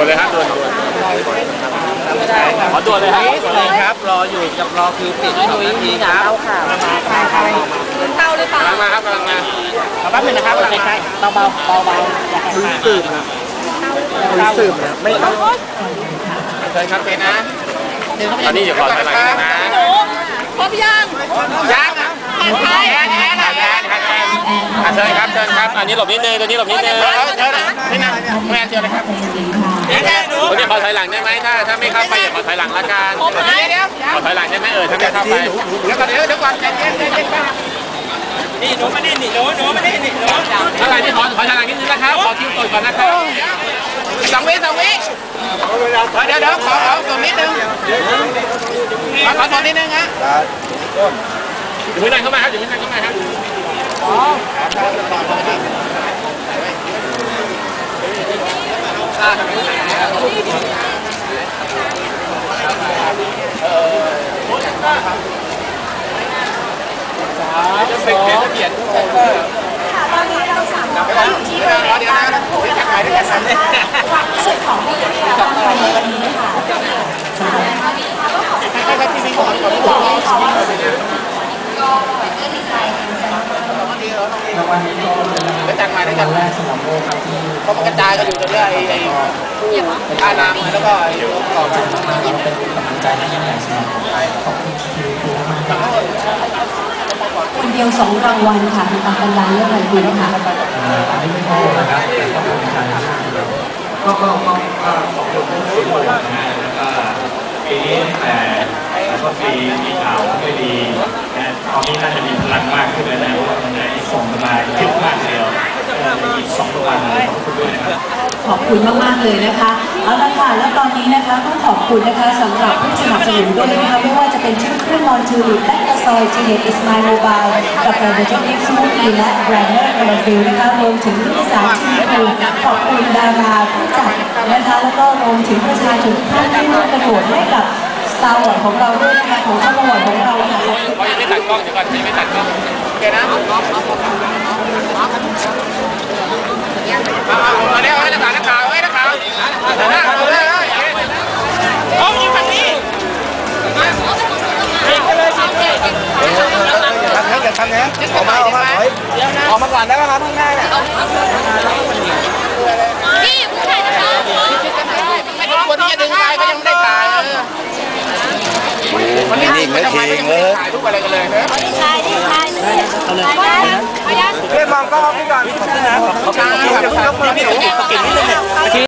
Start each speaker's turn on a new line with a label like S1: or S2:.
S1: วนเลยครับด่วนขอด่วนเลยครับด่วนเลยครับรออยู่กับรอคิวปิด2 นาทีครับ
S2: เต้าหรือเปล่าก
S1: ำลังมาครับกำลังมา
S2: แป๊บนึงนะครับใช่เบาเบา
S1: ลุยสืบนะลุยสืบนะไม่ต้องเชิญครับเป็นนะตอนนี้อยู่ก่อนอะไรนะ
S2: พร้อมยัง
S1: แอนเชิญครับเชิญครับอันนี้หลบนิดนึงตัวนี้หลบนิดนึงเชิญนี่นะแม่เชิญเลยครับคนนี้ขอถอยหลังได้ไหมถ้าไม่เข้าไปอย่าขอถอยหลังละกันขอถอยหลังได้ไหมถ้าไม่เข้าไปเดี๋ยวก่อนใจเย็นนี่หนูมานี่หนูมานี่หนูอะไรนี่ขอถอยหลังนิดนึงนะครับขอคิวก่อนนะครับ2 วิเดี๋ยวขอตัวนิดนึงขอตัวนิดนึงฮะอยู่ไม่นานเข้ามาครับอยู่ไม่นานเข้ามาครับจะเปลี่ยนตอนนี้เราสามารถที่จะได้รับผู้ที่ขายได้สัมผัสความรู้สึกของผู้ที่รับในวันนี้ค่ะให้ที่มีของก็ดีใจรางวัลนี้ก็จัดมาได้กันแรกสำหรับโลกครับที่เขากระจายกันอยู่ตรงนี้ไอ้ท่านางแล้วก็ต่อจากมาเป็นกำลังใจให้ยิ่งใหญ่สำหรับผมขอบคุณครูมากคนเดียว2 รางวัลค่ะมีตามกันดานเรื่องอะไรดีนะคะอันนี้ไม่พอนะครับแต่ก็เป็นการก็ขอบคุณทุกคนนะฮะแล้วก็ปีนี้แต่ก็ปีมีข่าวไม่ดีแต่ตอนนี้น่าจะมีพลังมากขึ้นแล้วเพราะว่าตอนนี้ส่งมาเยอะมากเลยอีก2 รางวัลเลยขอบคุณด้วยนะครับขอบคุณมากๆเลยนะคะเอาละค่ะแล้วตอนนี้นะคะต้องขอบคุณนะคะสำหรับผู้สนับสนุนด้วยนะคะไม่ว่าจะเป็นชื่อเครื่องนอนทูริและกระซอยจีเนอิสมาโมบายกับแบรนด์เดจิสมูทตี้และแบรนด์เนอร์คาราฟิลนะคะรวมถึงผู้สาชีพขอบคุณดาราผู้จัดนะคะแล้วก็รวมถึงประชาชนทุกท่านที่ร่วมกระโดดให้กับสตาร์วอร์ของเราด้วยนะคะของเจ้าจังหวัดของเราค่ะเขายังไม่ตัดกล้องเดี๋ยวก่อนยังไม่ตัดกล้องโอเคนะเอาเดี๋ยวให้นักข่าวเอายิงฝั่งนี้ยิงไปเลยยิงเลยอย่าทำนะออกมาก่อนได้แล้วนะข้างหน้าเนี่ยพี่ผู้ชายนะคะไม่ต้องคนที่จะดึงไปก็ยังไม่ได้ถ่ายมันนี่ไม่ทำไมไม่ถ่ายรูปอะไรกันเลยนะถ่ายเรียกมองกล้องพี่ก่อนพี่นะเขาเก่งนิดนึง